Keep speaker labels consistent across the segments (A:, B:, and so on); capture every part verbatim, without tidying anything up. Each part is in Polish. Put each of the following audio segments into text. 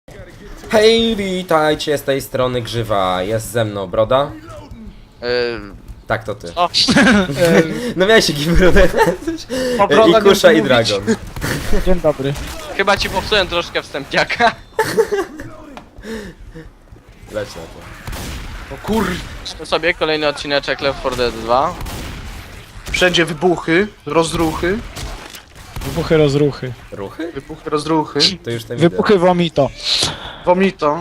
A: Hej, witajcie z tej strony Grzywa. Jest ze mną Broda.
B: Yy,
A: Tak, to ty.
B: o,
A: No miałeś jakiś brodę. I Kusza i Dragon.
C: Dzień dobry.
B: chyba ci popsułem troszkę wstępniaka.
A: Leć na to.
B: O kur... sobie kolejny odcineczek Left four Dead dwa.
D: Wszędzie wybuchy, rozruchy,
C: Wybuchy, rozruchy.
A: Ruchy?
D: wybuchy, rozruchy,
A: To już ten wideo.
C: Wybuchy, vomito.
D: vomito.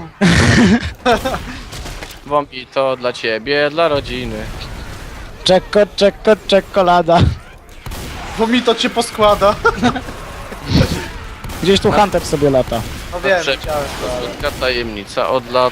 B: Wąpi to dla ciebie, dla rodziny.
C: Czeko, czeko, czekolada.
D: Vomito cię poskłada.
C: Gdzieś tu Hunter sobie lata.
D: No wiem,
B: Dobrze.
D: widziałem to. ale-
B: Słodka tajemnica od lat.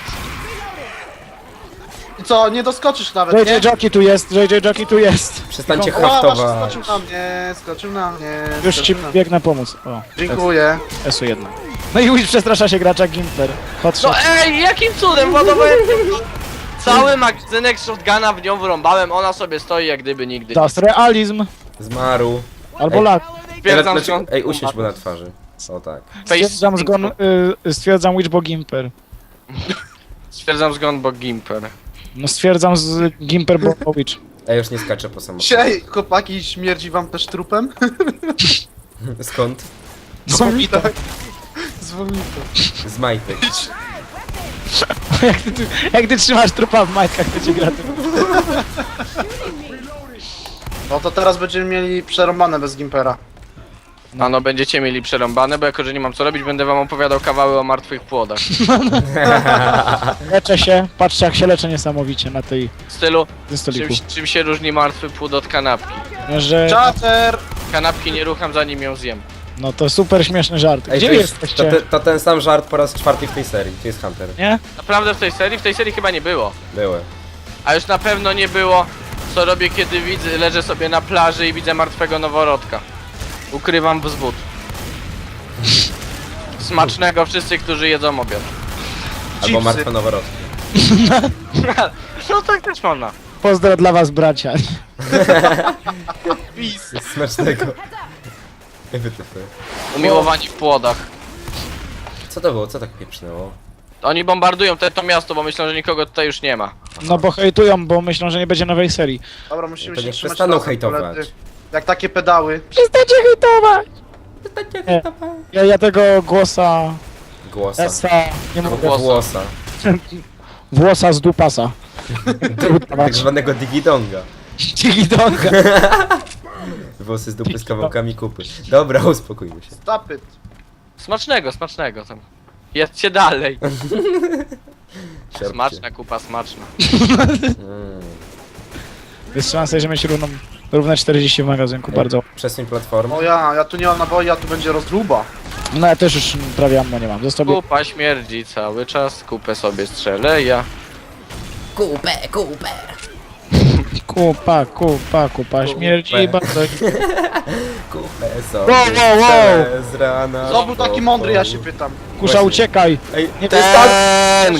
D: I co, nie doskoczysz nawet,
C: J
D: nie?
C: J Jockey tu jest, J J Jockey tu jest.
A: Przestańcie
D: O, właśnie
A: haftować.
D: skoczył na mnie, skoczył na mnie.
C: Już ci
D: skoczył na...
C: biegnę pomóc. O,
D: Dziękuję.
C: S u jeden. No i już przestrasza się gracza Gimper. Hot
B: No
C: shot.
B: ej, jakim cudem ładowałem cały magazynek shotguna w nią wyrąbałem, ona sobie stoi jak gdyby nigdy.
C: Das realizm.
A: Zmarł.
C: Albo
A: Ej.
C: lag.
B: Stwierdzam,
A: Ej,
B: że on...
A: Ej, usiądź mu na twarzy. O tak.
C: Stwierdzam zgon, y, stwierdzam Witch bo Gimper.
B: Stwierdzam zgon, bo Gimper.
C: No stwierdzam z Gimper bo Witch.
A: Ej, już nie skaczę po samochodzie.
D: Dzisiaj, chłopaki, śmierdzi wam też trupem?
A: Skąd?
C: Z vomito.
D: Tak. Z vomito.
A: Z majtek.
C: jak, ty, ty- jak ty trzymasz trupa w majtkach, to ci gra tym.
D: No to teraz będziemy mieli przerąbane bez Gimpera.
B: A no będziecie mieli przerąbane, bo jako że nie mam co robić, będę wam opowiadał kawały o martwych płodach.
C: Leczę się, patrzcie jak się leczę niesamowicie na tej
B: W stylu,
C: tym
B: czym,
C: stoliku.
B: czym się różni martwy płód od kanapki?
C: Że...
D: Czater!
B: Kanapki nie rucham zanim ją zjem.
C: No to super śmieszny żart.
A: Ej,
C: Gdzie
A: to, jest, to,
C: jesteście?
A: te- to ten sam żart po raz czwarty w tej serii. Tu jest Hunter.
C: Nie?
B: Naprawdę w tej serii? W tej serii chyba nie było.
A: Były.
B: A już na pewno nie było, co robię kiedy widzę, leżę sobie na plaży i widzę martwego noworodka. Ukrywam wzwód. Smacznego wszyscy, którzy jedzą obiad.
A: Albo
D: Chipsy.
A: martwe noworodki.
B: No tak też można.
C: Pozdro dla was bracia.
D: Pis!
A: Smacznego. Ej, wytyfy.
B: Umiłowani w płodach.
A: Co to było? Co tak pieprznęło?
B: Oni bombardują te, to miasto, bo myślą, że nikogo tutaj już nie ma.
C: No bo hejtują, bo myślą, że nie będzie nowej serii.
D: Dobra, musimy
A: To
D: się
A: niech
D: trzymać
A: przestaną
D: razem,
A: hejtować.
D: koledzy. Jak takie pedały.
C: Przestańcie hejtować! Nie. Ja, ja tego głosa...
A: Głosa.
C: Esa... Nie mogę.
B: Głosa.
A: Głosa.
C: Włosa z dupasa.
A: Tak zwanego digidonga.
C: Dzigidonga.
A: Włosy z dupy z kawałkami kupy. Dobra, uspokójmy się.
D: Stop it.
B: Smacznego, smacznego tam. Jedźcie dalej.
A: Siarpcie.
B: Smaczna kupa, smaczna.
A: Mm.
C: Jest szansa, że mieć równą, równe czterdzieści w magazynku, bardzo.
A: Przesuń platformę.
D: O ja, ja tu nie mam naboi, a tu będzie rozruba.
C: No ja też już prawie ammo nie mam. Zostawię...
B: Kupa śmierdzi cały czas, kupę sobie strzelę ja.
A: Kupę, kupę.
C: Kupa, kupa, kupa, śmierdzi bardzo.
A: Kupę sobie.
C: Wow, wow, wow.
A: strzelę z rana.
D: Kto był taki mądry, ja się pytam.
C: Kusza, uciekaj!
A: Ej,
C: Nie
A: to jest tak!
B: Ten!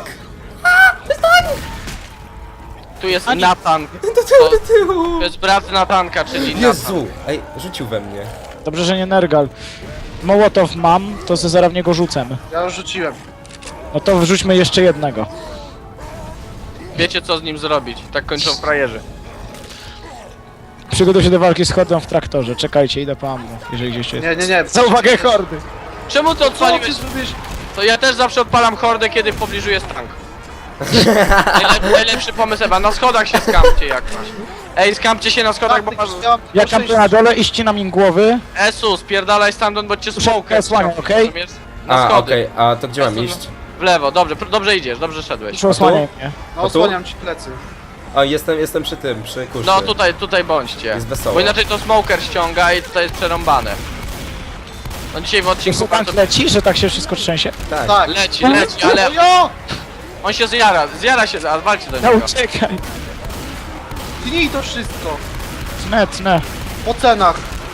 B: Tu jest Natan.
A: Do tyłu, do tyłu!
B: To jest brat Natanka, czyli Natan.
A: Jezu! Ej, rzucił we mnie.
C: Dobrze, że nie Nergal. Mołotow mam, to ze zaraz w niego rzucę.
D: Ja już rzuciłem.
C: No to wrzućmy jeszcze jednego.
B: Wiecie co z nim zrobić. Tak kończą frajerzy.
C: Przygotuj się do walki z hordą w traktorze. Czekajcie, idę po ammo, jeżeli gdzieś jest.
D: Nie, nie, nie.
C: Za uwagę hordy!
B: Czemu to
D: Co ty
B: odpaliłeś?
D: zrobiłeś?
B: To ja też zawsze odpalam hordę, kiedy w pobliżu jest tank. Najlep najlepszy pomysł Ewa, na schodach się skampcie jak masz. Ej, skampcie się na schodach, bo masz...
C: Ja kampię na dole i ścinam im głowy.
B: Esu, spierdalaj stamtąd, bo cię
C: Muszę
B: smoker
C: osłaniać,
B: ściągnie,
C: okej?
B: rozumiesz? Na
A: A,
B: schody.
A: okej, a to gdzie mam
B: Esu,
A: iść?
B: W lewo, dobrze, pr- dobrze idziesz, dobrze szedłeś.
C: Proszę osłaniaj mnie.
D: No
A: tu?
D: osłaniam ci plecy.
A: O, jestem, jestem przy tym, przy kuszy.
B: No tutaj, tutaj bądźcie.
A: Jest wesoło.
B: Bo inaczej to smoker ściąga i tutaj jest przerąbane. No dzisiaj w odcinku
C: Czy tank
B: bardzo...
C: leci, że tak się wszystko trzęsie?
A: Tak.
D: Tak.
B: Leci, leci, ale
D: O jo!
B: on się zjara, zjara się, a walcie do
C: No
B: niego.
C: uciekaj!
D: Tnij to wszystko.
C: Tnę, tnę.
D: Po cenach.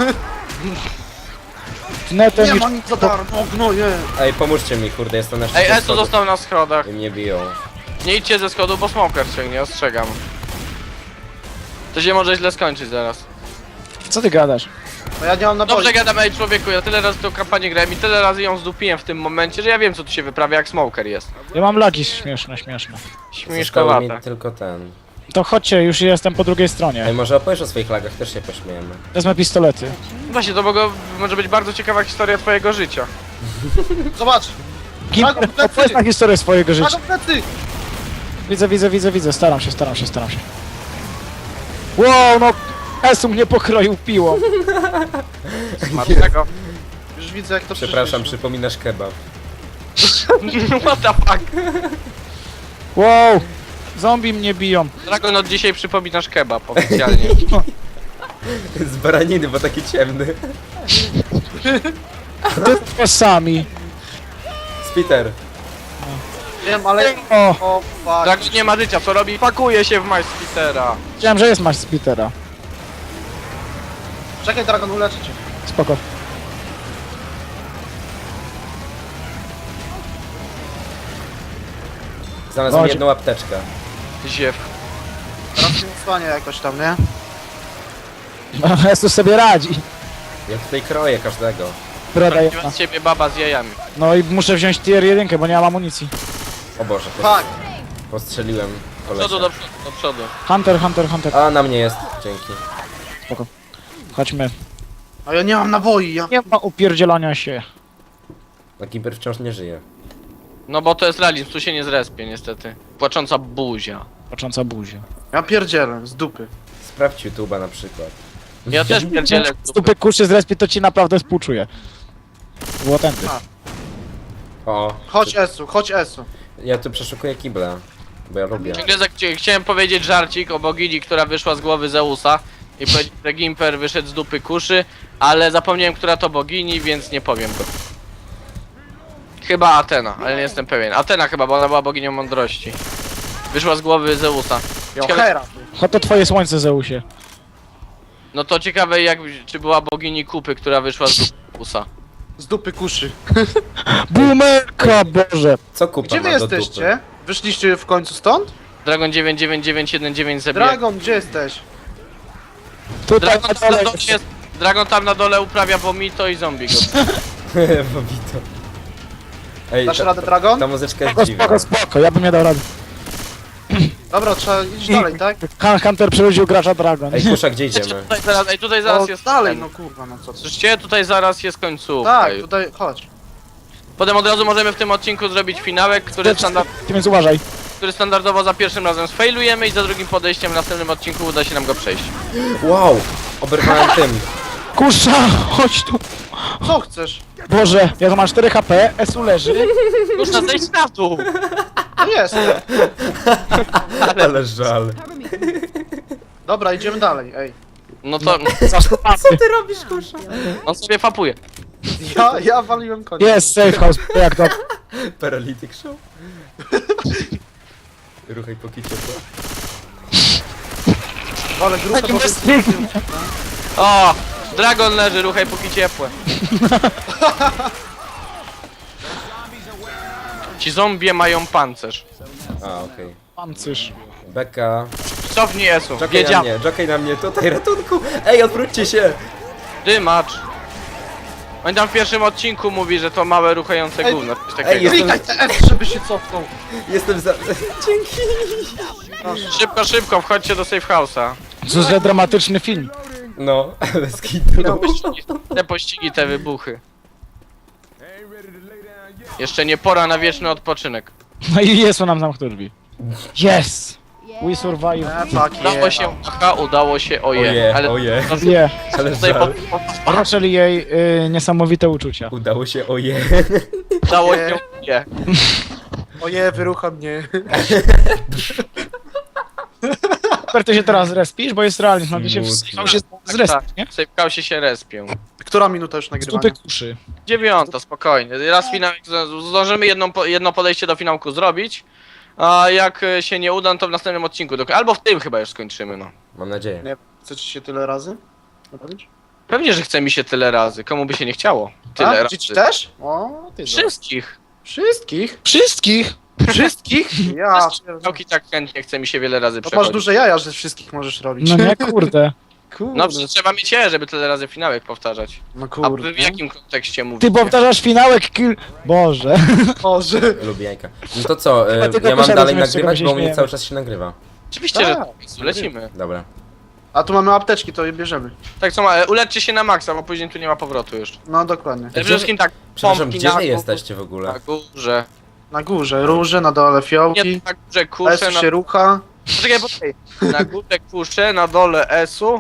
C: Tnę ten
D: Nie
C: i...
D: ma nic za darmo, gnoje.
A: Ej, pomóżcie mi, kurde, jestem na
B: Ej,
A: szczycie
B: Esu
A: schodów.
B: został na schodach.
A: I mnie biją.
B: Nie idźcie ze schodu, bo smoker ciągnie, ostrzegam. To się może źle skończyć zaraz.
C: Co ty gadasz?
D: No ja nie mam naboi.
B: Dobrze gadam, ej człowieku, ja tyle razy tą kampanię grałem i tyle razy ją zdupiłem w tym momencie, że ja wiem co tu się wyprawia, jak smoker jest.
C: Ja mam lagi śmieszne, śmieszne.
A: Zostało mi
B: Śmieszkowate.
A: tylko ten.
C: To chodźcie, już jestem po drugiej
A: Ej,
C: stronie.
A: może opowiesz o swoich lagach, też się pośmiejemy.
C: Wezmę pistolety.
B: Właśnie, to mogło, może być bardzo ciekawa historia twojego życia.
D: Zobacz!
C: Gimper,
D: Dragon plecy!
C: opowiedz na historię swojego życia.
D: Dragon plecy!
C: Widzę, widzę, widzę, widzę. Staram się, staram się, staram się. Wow, no! Esu mnie pokroił piłą.
B: Smacznego.
D: Już widzę jak to
A: Przepraszam,
D: przyszliśmy.
A: przypominasz kebab.
B: What the fuck?
C: Wow! Zombie mnie biją.
B: Dragon, od dzisiaj przypominasz kebab oficjalnie.
A: Z baraniny, bo taki ciemny.
C: Ty sami.
A: Spiter.
D: Wiem, ale...
C: O,
D: O, fuck.
B: Dragon nie ma życia, co robi? Pakuje się w Majspitera.
C: wiedziałem, że jest masz Spitera.
D: Czekaj, Dragon, uleczę cię.
C: Spoko.
A: Znalazłem
C: Chodź.
A: jedną apteczkę.
B: Ziew.
D: Teraz się stanie jakoś tam, nie?
C: Esu sobie radzi.
A: Ja tutaj kroję każdego.
C: Broda jedna.
B: Prawdziwa z ciebie baba z jajami.
C: No i muszę wziąć tier jeden, bo nie mam amunicji.
A: O Boże, po,
D: Fuck!
A: postrzeliłem
B: Do przodu,
A: kolesia.
B: do przodu, do przodu.
C: Hunter, Hunter, Hunter.
A: A, na mnie jest. Dzięki.
C: Spoko. Chodźmy.
D: A ja nie mam naboi, ja...
C: Nie ma upierdzielania się.
A: A Gimper wciąż nie żyje.
B: No bo to jest realizm, tu się nie zrespie niestety. Płacząca buzia.
C: Patrząca buzia.
D: Ja pierdzielę, z dupy.
A: Sprawdź YouTube'a na przykład.
B: Ja też pierdzielę
C: Z dupy kuszy z respi to ci naprawdę współczuję. Było tędy.
A: O,
D: Chodź Esu, chodź Esu.
A: ja tu przeszukuję kibla. Bo ja lubię.
B: Ciągle za- chcia- Chciałem powiedzieć żarcik o bogini, która wyszła z głowy Zeusa i powiedzieć, że Gimper wyszedł z dupy kuszy, ale zapomniałem, która to bogini, więc nie powiem go. Chyba Atena, ale nie jestem pewien. Atena chyba, bo ona była boginią mądrości. Wyszła z głowy Zeusa.
D: Jo,
B: Ciekawe,
D: Hera.
C: Cho to twoje słońce, Zeusie.
B: no to ciekawe jak, czy była bogini kupy, która wyszła z dupy Zeusa.
D: Z dupy kuszy.
C: Bumerka, Boże.
A: Co kupa
D: Gdzie wy
A: ma do
D: jesteście? Wyszliście w końcu stąd?
B: Dragon dziewięć dziewięć dziewięć jeden dziewięć zabija.
D: Dragon, gdzie jesteś?
C: Tutaj
B: Dragon,
C: na
B: tam na
C: dole
B: dole jest, Dragon tam na dole uprawia vomito i zombie go.
A: dupy? Bobito. Ej,
D: Dasz
A: ta,
D: radę, Dragon?
A: ta muzyczka jest
C: Spoko,
A: dziwna.
C: spoko, spoko, ja bym nie dał rady.
D: Dobra, trzeba iść dalej, tak?
C: Han- Hunter przerodził gracza Dragon.
A: Ej, Kusza, gdzie idziemy?
B: Tutaj zaraz, ej, tutaj zaraz
D: O,
B: jest
D: dalej,
B: ten.
D: no kurwa, no co ty.
B: Słyszycie? Tutaj zaraz jest końcówka.
D: Tak,
B: już.
D: tutaj, chodź.
B: Potem od razu możemy w tym odcinku zrobić finałek, który, standard,
C: Więc uważaj.
B: który standardowo za pierwszym razem sfailujemy i za drugim podejściem w następnym odcinku uda się nam go przejść.
A: Wow! Oberwałem tym.
C: Kusza, chodź tu.
D: Co chcesz?
C: Boże, ja tu mam cztery H P, Esu leży.
B: Już na zejść na dół!
D: No jest.
A: Ale żal.
D: Dobra, idziemy dalej, ej.
B: No to
C: Co
A: Ty robisz, Kusza?
B: on sobie fapuje.
D: Ja, ja waliłem konia.
C: Jest, safe house, jak to?
A: Paralytic show? Ruchaj po kicie, co?
D: Ale grupę po prostu...
B: O! Dragon leży, ruchaj póki ciepłe. Ci zombie mają pancerz.
A: A, okej.
C: Pancerz.
A: Beka.
B: Cofnij Esu,
A: Jockey na
B: wiedział.
A: mnie, jockey na mnie, tutaj, ratunku! Ej, odwróćcie się!
B: Dymacz. On tam w pierwszym odcinku mówi, że to małe ruchające
D: Ej,
B: gówno, coś
A: ej,
B: takiego.
A: jest-
D: Klikaj te F, żeby się cofnął.
A: Jestem za... Dzięki!
B: Szybko, szybko, wchodźcie do safe house'a.
C: Co za dramatyczny film.
A: No, bez
B: Te
A: kitu.
B: pościgi, te pościgi, te wybuchy. Jeszcze nie pora na wieczny odpoczynek.
C: No i jest nam zamknął drzwi. Yes! We survive.
D: E, fuck
B: Udało
D: yeah.
B: się, aha, udało się, oje.
A: Oje,
B: ale
A: oje.
C: Nie.
A: Ale
B: tutaj
A: żal.
B: pod, pod,
C: Raczej jej y, niesamowite uczucia.
A: Udało się, oje.
B: udało
D: Nie.
B: się, nie.
D: Oje, wyrucha mnie.
C: Super, ty się teraz respisz, bo jest realizm, no ty się w
A: Smutno.
C: w się zrespisz, nie?
B: W safe house'ie się respią.
D: Która minuta już
C: Z
D: nagrywania?
C: dupy kuszy.
B: Dziewiąta, spokojnie. Raz finał, zdążymy jedną, po- jedno podejście do finałku zrobić. A jak e, się nie uda, no to w następnym odcinku, dok- albo w tym chyba już skończymy, no.
A: Mam nadzieję.
D: Nie, chcecie się tyle razy? Robić?
B: Pewnie, że chce mi się tyle razy, komu by się nie chciało. Tyle
D: A?
B: razy.
D: Dzieci też? O, ty
B: Wszystkich.
D: Wszystkich?
C: Wszystkich!
D: Wszystkich? Ja, pierdolę.
B: Całki tak chętnie chce mi się wiele razy
D: To masz
B: przechodzić.
D: duże jaja, że wszystkich możesz robić.
C: No nie, kurde.
D: Kurde.
B: No przecież trzeba mieć je, żeby tyle razy finałek powtarzać.
D: No
B: A
D: kurde.
B: wy w jakim kontekście mówicie?
C: Ty powtarzasz finałek kill... Boże.
D: Boże.
A: Lubię jajka. No to co,
C: Chyba
A: e,
C: tylko
A: ja mam
C: posiadać,
A: dalej
C: z czego
A: nagrywać,
C: się
A: bo u mnie
C: śmiejemy.
A: cały czas się nagrywa.
B: Oczywiście, że
D: Tak.
B: tak, lecimy.
A: Dobra.
D: A tu mamy apteczki, to je bierzemy.
B: Tak co ma, uleczcie się na maksa, bo później tu nie ma powrotu już.
D: No dokładnie.
B: Przede wszystkim tak,
A: Przepraszam,
B: pompki
A: gdzie
B: na
A: wy
B: gó-
A: jesteście w ogóle?
B: Na górze.
D: Na górze róże, na dole
B: Nie,
D: fiołki.
B: na górze kusze,
D: S
B: na...
D: się rucha.
B: Poczekaj, poczekaj. Na górze kusze, na dole esu.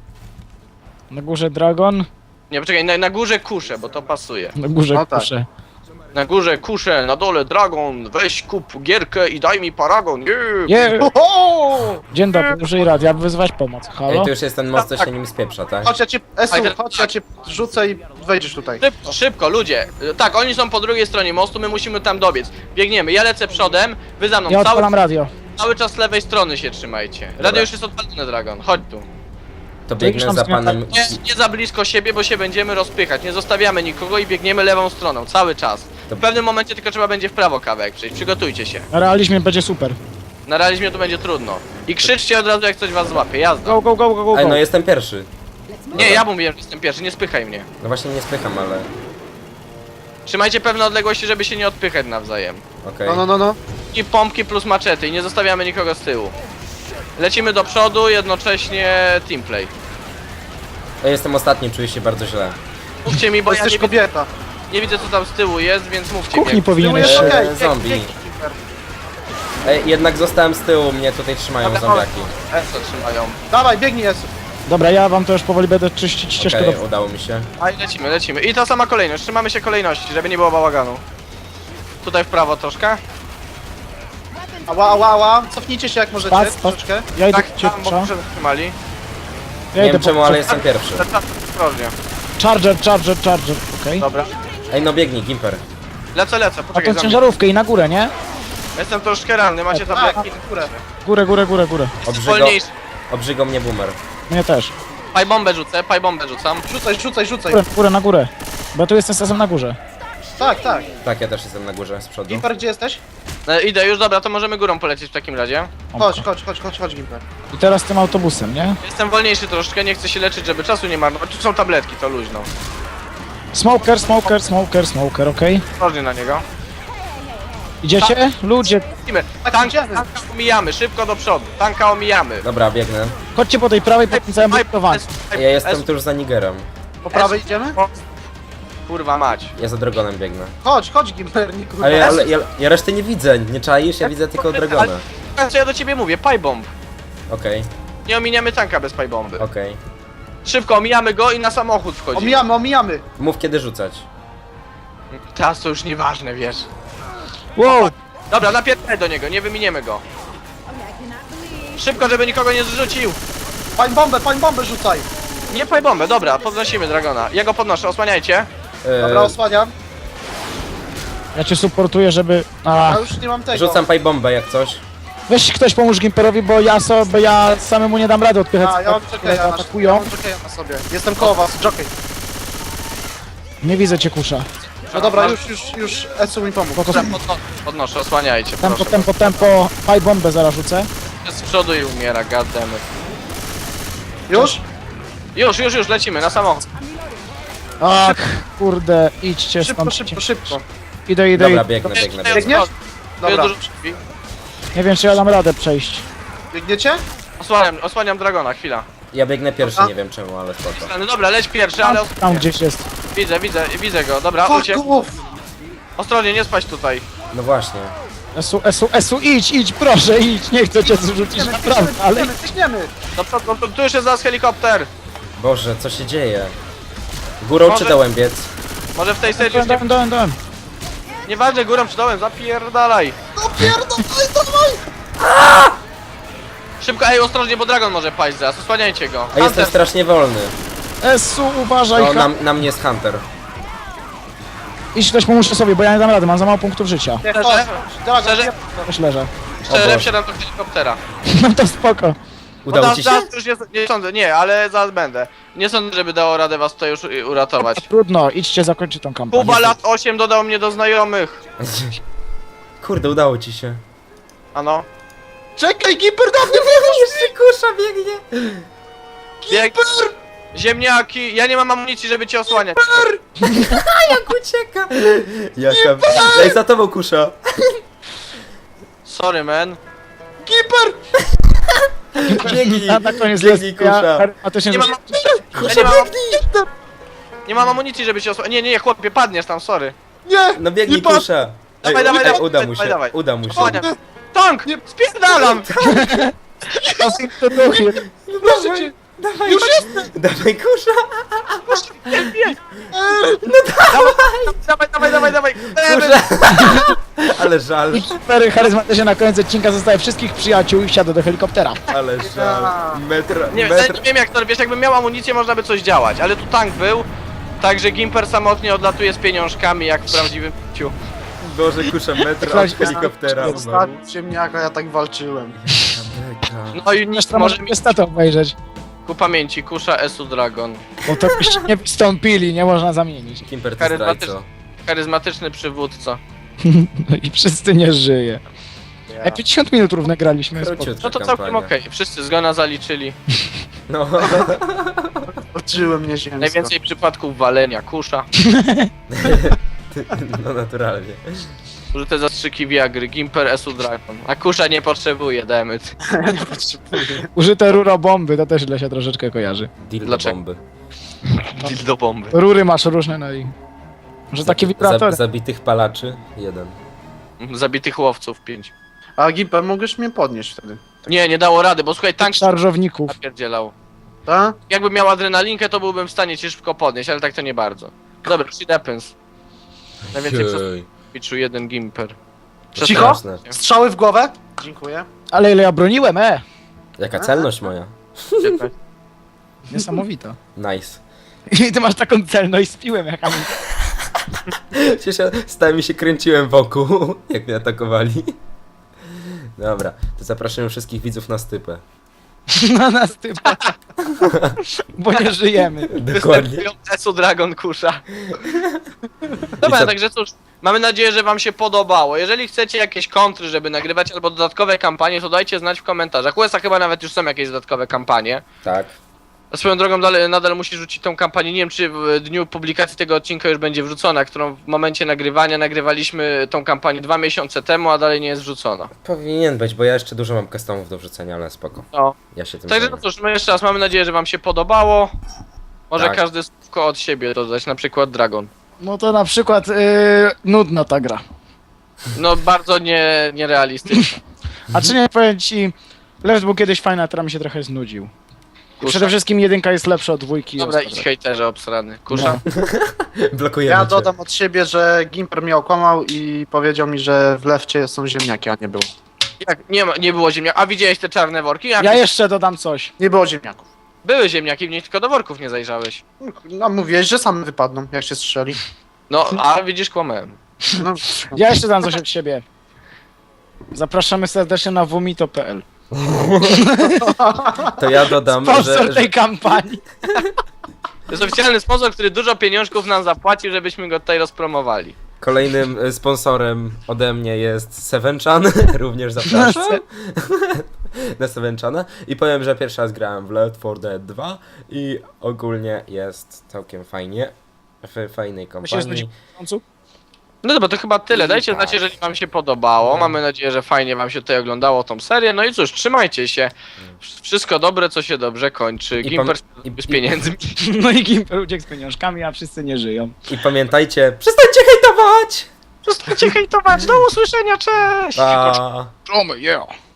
C: Na górze dragon,
B: Nie, poczekaj, na, na górze kusze, bo to pasuje.
C: na górze
D: No tak.
C: kusze.
B: Na górze kusze, na dole dragon, weź kup gierkę i daj mi paragon. Yeah.
C: Nie,
D: Oho!
C: dzień dobry, użyj radia, aby wyzwać pomoc.
A: Ej,
C: Halo?
A: to już jest ten most, co
B: Tak.
A: się nim spieprza, tak?
D: Chodź, ja cię, Esu,
B: Ale-
D: chodź, ja cię rzucę i wejdziesz tutaj.
B: Szybko, szybko, ludzie. Tak, oni są po drugiej stronie mostu, my musimy tam dobiec. Biegniemy, ja lecę przodem, wy za mną.
C: Ja
B: Cały,
C: odpalam radio.
B: cały czas z lewej strony się trzymajcie.
A: Dobra.
B: Radio już jest odpalone, Dragon, chodź tu.
A: To
C: To już
A: biegnę
C: tam
A: za
C: zmiata-
A: panem...
B: Nie, nie za blisko siebie, bo się będziemy rozpychać. Nie zostawiamy nikogo i biegniemy lewą stroną, cały czas.
A: To-
B: W pewnym momencie tylko trzeba będzie w prawo kawałek przejść, przygotujcie się.
C: Na realizmie będzie super.
B: Na realizmie to będzie trudno. I krzyczcie od razu jak coś was złapie, jazda.
C: Go, go, go, go, go,
A: Ej,
C: go.
A: no jestem pierwszy.
B: Nie, ja mówiłem, że jestem pierwszy, nie spychaj mnie.
A: No właśnie nie spycham, ale...
B: Trzymajcie pewne odległości, żeby się nie odpychać nawzajem.
A: Okej.
D: No, no, no, no.
B: I pompki plus maczety i nie zostawiamy nikogo z tyłu. Lecimy do przodu, jednocześnie teamplay.
A: Ja jestem ostatni, czuję się bardzo źle.
B: Mówcie mi,
D: Bo
B: bo ja
D: jesteś
B: nie, wi-
D: kobieta.
B: nie widzę co tam z tyłu jest, więc mówcie
C: W kuchni
B: mi.
C: powinieneś
D: Tyłu
C: się...
D: jest okej.
A: Eee, zombie.
D: Bieg, bieg, Gimper.
A: Ej, jednak zostałem z tyłu, mnie tutaj trzymają
B: Dobra,
A: zombiaki.
B: Eso trzymają.
D: Dawaj, biegnij, Esu.
C: Dobra, ja wam to już powoli będę czyścić ścieżkę
A: Okej,
C: do...
A: udało mi się.
B: A i lecimy, lecimy. I ta sama kolejność, trzymamy się kolejności, żeby nie było bałaganu. Tutaj w prawo troszkę.
D: Ała, ała, ała. Cofnijcie się jak możecie,
C: Pas, pas.
D: troszeczkę.
C: Ja idę
B: Tak,
C: cię,
B: tam, bo się zatrzymali.
C: ja
A: Nie
C: idę
A: wiem czemu,
C: po...
A: ale jestem pierwszy.
B: Ostrożnie.
C: Charger, charger, charger, okej.
B: Dobra.
A: Ej, no biegnij, Gimper.
B: Lecę, lecę,
C: A
B: poczekaj
C: tą
B: za mnie.
C: ciężarówkę i na górę, nie?
B: Jestem troszkę ranny, macie
D: A,
B: tabletki.
D: w górę.
C: Górę, górę, górę, górę.
A: Obrzygo,
B: Wolniejszy.
A: obrzygo mnie boomer.
C: Mnie też.
B: Paj bombę rzucę, paj bombę rzucam.
D: Rzucaj, rzucaj, rzucaj.
C: Górę, górę, na górę. Bo ja tu jestem czasem na górze.
D: Tak, tak.
A: Tak, ja też jestem na górze, z przodu.
D: Gimper, gdzie jesteś?
B: E, idę już, dobra, to możemy górą polecieć w takim razie.
D: Chodź, chodź, chodź, chodź, chodź, Gimper.
C: I teraz tym autobusem, nie?
B: Jestem wolniejszy troszkę, nie chcę się leczyć, żeby czasu nie marnować. Tu są tabletki, to luźno.
C: Smoker, smoker, smoker, smoker, okej.
B: Ostrożnie na niego.
C: Idziecie? Ludzie,
B: Lecimy.
D: Tak,
B: Tank,
D: idziemy.
B: tanka omijamy, szybko do przodu. Tanka omijamy.
A: Dobra, biegnę.
C: chodźcie po tej prawej, po tym całym budowaniu.
A: Ja jestem tuż za Nigerem.
D: Po prawej idziemy?
B: Kurwa mać.
A: Ja za Dragonem biegnę.
D: Chodź, chodź, Gimper, nie kurwa.
A: Ale, ja- ale ja, ja reszty nie widzę, nie czaisz? Ja widzę tylko Dragona.
B: Ale co ja do ciebie mówię? Paj bomb.
A: Okej,
B: Nie ominiamy tanka bez paj bomby.
A: okej.
B: Szybko omijamy go i na samochód wchodzimy.
D: Omijamy, omijamy.
A: Mów kiedy rzucać.
B: Teraz to już nieważne, wiesz.
C: Wow!
B: Dobra, napierdaj do niego, nie wyminiemy go. Szybko, żeby nikogo nie zrzucił.
D: Pań bombę, pań bombę rzucaj.
B: Nie paj bombę, dobra, podnosimy Dragona. Ja go podnoszę, osłaniajcie.
A: E,
D: Dobra, osłaniam.
C: Ja cię supportuję, żeby... A,
D: Ja już nie mam tego.
A: Rzucam paj bombę jak coś.
C: weź ktoś pomóż Gimperowi, bo ja sobie, ja samemu nie dam rady odpychać.
D: A, ja mam
C: które
D: czekaj, ja na, ja
C: atakują.
D: mam czekaj na sobie. Jestem koło was, jockey.
C: Nie widzę cię, kusza.
D: No dobra, już, już, już Esu mi pomógł.
C: Spoko,
B: Podno podnoszę, osłaniajcie,
C: tempo,
B: proszę.
C: tempo, tempo. Paj bombę zaraz rzucę.
B: Jest z przodu i umiera, goddammit.
D: Już?
B: Już, już, już, lecimy, na samochód.
C: Ach, kurde, idźcie
D: Szybko,
C: stąd.
D: szybko, szybko.
C: Idę, idę,
A: Dobra,
C: idę.
A: biegnę, biegnę, biegnę.
D: Biegniesz? Dobra.
B: Dobra. Dużo drzwi.
C: Nie wiem, czy ja dam radę przejść.
D: Biegniecie?
B: Osłaniam, osłaniam Dragona, chwila.
A: Ja biegnę pierwszy,
D: A?
A: nie wiem czemu, ale spoko.
B: No dobra, leć pierwszy, ale
C: Tam,
B: os-
C: tam gdzieś jest.
B: widzę, widzę, widzę go. Dobra,
D: Fuck
B: uciek.
D: off!
B: Ostrożnie, nie spaść tutaj.
A: No właśnie.
C: Esu, Esu, Esu, idź, idź, proszę, idź. Nie chcę cię zrzucić, naprawdę, ale...
D: Biegniemy, biegniemy.
B: Do przodu, do przodu, tu już jest zaraz helikopter.
A: Boże, co się dzieje? Górą
B: Może-
A: czy dołem biec?
B: Może w tej serii
C: Dałem,
B: już nie...
C: dałem, dałem, dałem.
B: Nieważne, górą czy dołem, zapierdalaj.
D: No pierdolaj, dawaj!
B: Szybko, ej, ostrożnie, bo Dragon może paść zaraz, osłaniajcie go.
A: A jestem
B: Hunter,
A: strasznie wolny.
C: Esu, uważaj,
A: No,
C: ha-
A: na, na mnie jest Hunter.
C: idź ktoś pomóżcie sobie, bo ja nie dam rady, mam za mało punktów życia.
D: Nie,
B: Szczerze?
D: chodź. Dragon,
B: Szczerze?
D: nie-
C: Też leżę.
B: szczerze,
A: Boże.
B: wsiadam do helikoptera.
C: No to spoko.
B: Bo
A: Udało
B: zaraz,
A: ci się?
B: zaraz już jest, nie sądzę, nie, ale zaraz będę. Nie sądzę, żeby dało radę was tutaj już y, uratować.
C: Trudno, idźcie zakończyć tą kampanię.
B: Kuba lat osiem dodał mnie do znajomych.
A: Kurde, udało ci się.
B: Ano.
D: Czekaj, Gimper, dawaj,
A: Jeszcze kusza biegnie.
B: Bieg... Ziemniaki, ja nie mam amunicji, żeby cię osłaniać.
A: Jak ucieka! Jaka... Ej, za tobą kusza!
B: Sorry, man.
A: Biegnij!
C: A na koniec
A: Biegnij,
C: jest ja
A: kusza!
C: charyzmatycznie
B: Nie mam,
C: rzucam-
B: ja nie mam, nie mam amunicji, żeby cię osłaniać. Nie, nie, chłopie, padniesz tam, sorry.
D: Nie!
A: No biegnij
D: Nie patrz.
A: kusza! Ej,
B: Dawaj, dawaj,
A: ej,
B: dawaj,
A: uda mu się,
B: dawaj, dawaj.
A: uda mu się.
B: Osłaniam. Tank! Spierdalam!
C: To duchy.
A: Dawaj, dawaj, już dawaj kusza!
B: Dawaj, dawaj, dawaj, dawaj!
A: Kusza! Ale żal,
C: I Kiper charyzmatycznie na koniec odcinka zostaje wszystkich przyjaciół i wsiada do helikoptera.
A: ale żal. Metr,
B: Nie,
A: metr...
B: nie wiem jak to, wiesz, jakbym miał amunicję, można by coś działać, ale tu tank był, także Gimper samotnie odlatuje z pieniążkami, jak w prawdziwym ciu.
A: Boże, kusza, metr od helikoptera umarł.
D: Ostatni ziemniaka, ja tak walczyłem.
B: No i nic,
C: Zresztą
B: może
C: może
B: mi
C: niestety obejrzeć.
B: ku pamięci, kusza Esu Dragon.
C: Bo to byście nie wystąpili, nie można zamienić.
A: Kimper to
B: Charyzmatycz-
A: zdrajco.
B: Charyzmatyczny przywódca.
C: No i wszyscy nie żyje. Ej, pięćdziesiąt minut równe graliśmy. spoko.
A: Króciutka
B: No to całkiem
A: kampania.
B: okej, wszyscy zgona zaliczyli.
A: No,
D: Walczyłem nieziemsko.
B: Najwięcej przypadków walenia, kusza.
A: no naturalnie.
B: Użyte zastrzyki Viagry, Gimper Esu Dragon. A kusza nie potrzebuje, dammit.
D: Nie potrzebuję.
C: Użyte rurobomby, to też źle się troszeczkę kojarzy.
A: Deal do
B: Dlaczego?
A: bomby.
B: Do bomby.
C: Rury masz różne, no i... Może takie wibratory.
A: Zab zabitych palaczy? Jeden.
B: Zabitych łowców, pięć.
D: A Gimper, mogłeś mnie podnieść wtedy.
B: Nie, nie dało rady, bo słuchaj, tank
C: Szarżowników.
B: napierdzielał.
D: Tak?
B: Jakbym miał adrenalinkę, to byłbym w stanie cię szybko podnieść, ale tak to nie bardzo. Dobra, shit happens. Najwięcej przez
A: Jej.
B: piczu jeden Gimper.
D: Cicho?
A: Straszne.
D: Strzały w głowę? Dziękuję.
C: Ale ile ja broniłem, e!
A: Jaka celność moja.
C: Niesamowita.
A: Nice.
C: I ty masz taką celność z piłem, jak Amin.
A: Przecież ja stałem i się kręciłem wokół, jak mnie atakowali. Dobra, to zapraszam wszystkich widzów na stypę.
C: Na nas typa. Bo nie żyjemy.
A: Dokładnie.
B: Esu Dragon kusza. Dobra,
A: co?
B: także cóż, mamy nadzieję, że wam się podobało. Jeżeli chcecie jakieś kontry, żeby nagrywać, albo dodatkowe kampanie, to dajcie znać w komentarzach. U S A chyba nawet już są jakieś dodatkowe kampanie.
A: Tak.
B: A swoją drogą dalej, nadal musi rzucić tą kampanię. Nie wiem, czy w dniu publikacji tego odcinka już będzie wrzucona, którą w momencie nagrywania nagrywaliśmy tą kampanię dwa miesiące temu, a dalej nie jest wrzucona.
A: Powinien być, bo ja jeszcze dużo mam customów do wrzucenia, ale spoko.
B: No.
A: Ja się tym
B: Także
A: zajmę.
B: no cóż, my jeszcze raz mamy nadzieję, że wam się podobało. Może
A: Tak.
B: każdy słówko od siebie dodać, na przykład Dragon.
C: No to na przykład yy, nudna ta gra.
B: No bardzo nie, nierealistyczne.
C: A czy nie powiem ci, Left był kiedyś fajny, a teraz mi się trochę znudził. I przede wszystkim jedynka jest lepsza od dwójki. i
B: Dobra,
C: ostatnio.
B: idź hejterze obsrany. Kusza.
A: Blokujemy
D: Ja
A: cię.
D: dodam od siebie, że Gimper mnie okłamał i powiedział mi, że w lewcie są ziemniaki, a nie było.
B: Jak nie, ma, nie było ziemniaków. A widziałeś te czarne worki? Jak
C: Ja jeszcze dodam coś.
D: Nie było ziemniaków.
B: Były ziemniaki, w nich tylko do worków nie zajrzałeś.
D: No mówiłeś, że same wypadną, jak się strzeli.
B: No, a widzisz, kłamałem.
D: No,
C: Ja jeszcze dodam coś od siebie. Zapraszamy serdecznie na womito kropka p l.
A: To ja dodam,
C: Sponsor
A: że, że
C: tej kampanii.
B: To jest oficjalny sponsor, który dużo pieniążków nam zapłacił, żebyśmy go tutaj rozpromowali.
A: kolejnym e, sponsorem ode mnie jest Sevenchan. Również zapraszam. Na Sevenchana. I powiem, że pierwszy raz grałem w Left four Dead dwa i ogólnie jest całkiem fajnie. W fajnej
C: My się
A: kompanii.
C: znudzimy w końcu.
B: No dobra, to chyba tyle. Dajcie
A: Tak.
B: znać, jeżeli wam się podobało. Mamy nadzieję, że fajnie wam się tutaj oglądało tą serię. No i cóż, trzymajcie się. Wszystko dobre, co się dobrze kończy.
A: I
B: Gimper
A: pam- i-
B: z
A: i-
B: pieniędzmi.
C: No i Gimper uciekł z pieniążkami, a wszyscy nie żyją.
A: I pamiętajcie, przestańcie hejtować!
B: Przestańcie hejtować. Do usłyszenia, cześć!
A: Pa!
C: Czomy, yeah.